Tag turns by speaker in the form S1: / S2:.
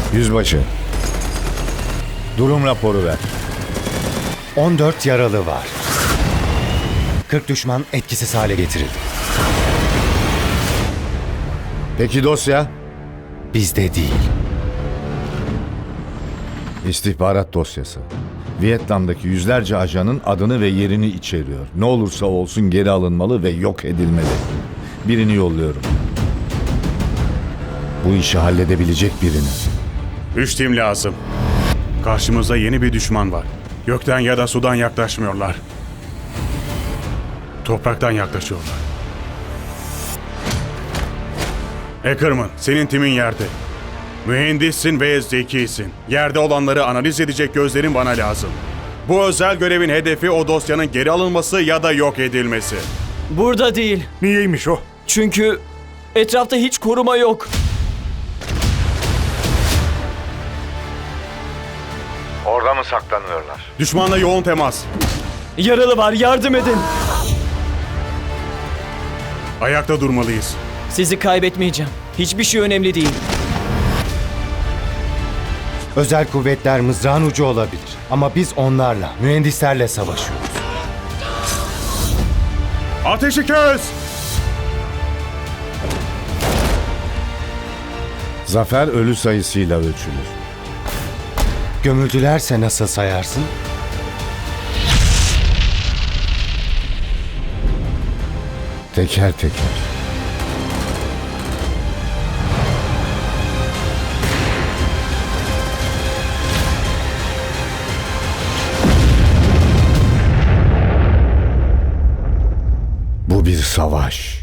S1: Yüzbaşı, durum raporu ver.
S2: 14 yaralı var. 40 düşman etkisiz hale getirildi.
S1: Peki dosya?
S2: Bizde değil.
S1: İstihbarat dosyası. Vietnam'daki yüzlerce ajanın adını ve yerini içeriyor. Ne olursa olsun geri alınmalı ve yok edilmeli. Birini yolluyorum. Bu işi halledebilecek birini.
S3: 3 tim lazım. Karşımızda yeni bir düşman var. Gökten ya da sudan yaklaşmıyorlar. Topraktan yaklaşıyorlar. Ackerman, senin timin yerde. Mühendissin ve zekisin. Yerde olanları analiz edecek gözlerin bana lazım. Bu özel görevin hedefi o dosyanın geri alınması ya da yok edilmesi.
S4: Burada değil.
S3: Niyeymiş o?
S4: Çünkü etrafta hiç koruma yok.
S1: Orada mı saklanıyorlar?
S3: Düşmanla yoğun temas.
S4: Yaralı var, yardım edin.
S3: Ayakta durmalıyız.
S4: Sizi kaybetmeyeceğim. Hiçbir şey önemli değil.
S2: Özel kuvvetler mızrağın ucu olabilir. Ama biz onlarla, mühendislerle savaşıyoruz.
S3: Ateşi kes!
S1: Zafer ölü sayısıyla ölçülür.
S2: Gömüldülerse nasıl sayarsın?
S1: Teker teker. Bu bir savaş.